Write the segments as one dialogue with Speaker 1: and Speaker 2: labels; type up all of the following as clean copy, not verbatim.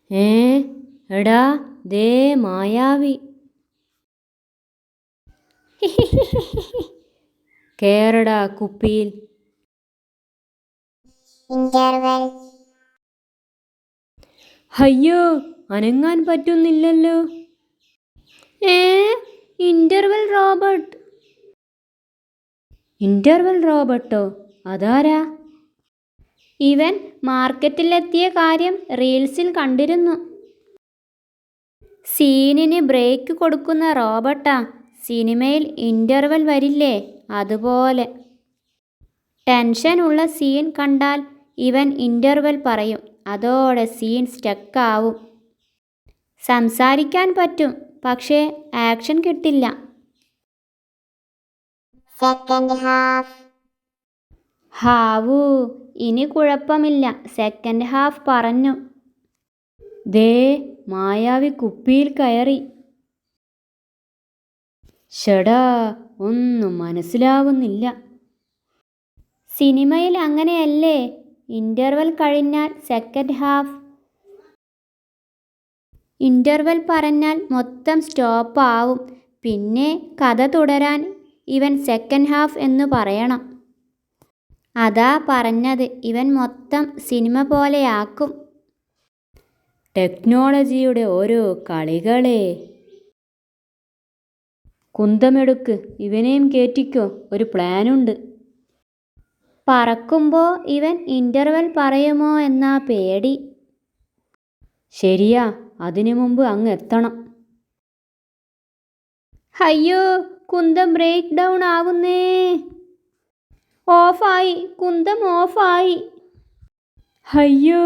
Speaker 1: ഏ എടാ ദേ മായാവി. കേറടാ കുപ്പിയിൽ.
Speaker 2: ഇന്റർവെൽ.
Speaker 1: അയ്യോ, അനങ്ങാൻ പറ്റുന്നില്ലല്ലോ. ഏ ഇന്റർവെൽ റോബോട്ട്. Interval Roberto? അതാരാ? ഇവൻ മാർക്കറ്റിലെത്തിയ കാര്യം റീൽസിൽ കണ്ടിരുന്നു. സീനിന് ബ്രേക്ക് കൊടുക്കുന്ന റോബോട്ടാ. സിനിമയിൽ ഇന്റർവെൽ വരില്ലേ, അതുപോലെ. ടെൻഷൻ ഉള്ള സീൻ കണ്ടാൽ ഇവൻ ഇന്റർവെൽ പറയും. അതോടെ സീൻ സ്റ്റക്കാവും. സംസാരിക്കാൻ പറ്റും, പക്ഷേ ആക്ഷൻ കിട്ടില്ല.
Speaker 2: Second half.
Speaker 1: ഹാവൂ, ഇനി കുഴപ്പമില്ല. സെക്കൻഡ് ഹാഫ് പറഞ്ഞു. ദേ മായാവി കുപ്പിയിൽ കയറി. ഷടാ, ഒന്നും മനസ്സിലാവുന്നില്ല. സിനിമയിൽ അങ്ങനെയല്ലേ, ഇന്റർവെൽ കഴിഞ്ഞാൽ സെക്കൻഡ് ഹാഫ്. ഇന്റർവെൽ പറഞ്ഞാൽ മൊത്തം സ്റ്റോപ്പ് ആവും. പിന്നെ കഥ തുടരാൻ ഇവൻ സെക്കൻഡ് ഹാഫ് എന്ന് പറയണം. അതാ പറഞ്ഞത്, ഇവൻ മൊത്തം സിനിമ പോലെയാക്കും. ടെക്നോളജിയുടെ ഓരോ കളികളെ. കുന്തമെടുക്ക്, ഇവനെയും കേറ്റിക്കോ, ഒരു പ്ലാനുണ്ട്. പറക്കുമ്പോൾ ഇവൻ ഇന്റർവെൽ പറയുമോ എന്നാ പേടി. ശരിയാ, അതിനു മുമ്പ് അങ്ങ് എത്തണം. അയ്യോ, കുന്തം ബ്രേക്ക് ഡൗൺ ആവുന്നേ. ഓഫായി, കുന്തം ഓഫായി. അയ്യോ.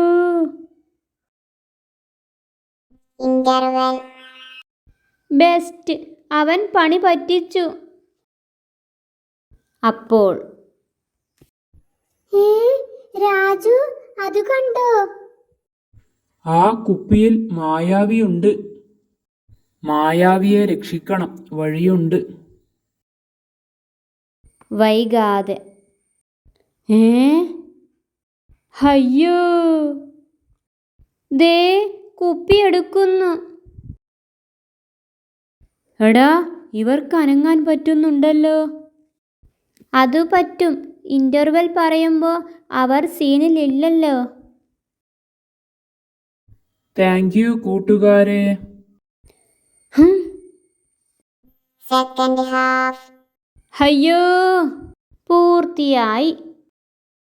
Speaker 2: ഇന്റർവെൽ.
Speaker 1: ബെസ്റ്റ്, അവൻ പണി പറ്റിച്ചു. അപ്പോൾ
Speaker 2: രാജു, അത് കണ്ടോ?
Speaker 3: ആ കുപ്പിയിൽ മായാവിയുണ്ട്. മായാവിയെ രക്ഷിക്കണം, വഴിയുണ്ട്.
Speaker 1: വൈകാതെ. ഏ അയ്യോ, ദേ കുപ്പി എടുക്കുന്നു. എടാ, ഇവർക്ക് അനങ്ങാൻ പറ്റുന്നുണ്ടല്ലോ. അതു പറ്റും, ഇന്റർവെൽ പറയുമ്പോൾ അവർ സീനിലില്ലല്ലോ.
Speaker 3: താങ്ക് യു കൂട്ടുകാരെ.
Speaker 2: Second half.
Speaker 1: അയ്യോ, പൂർത്തിയായി.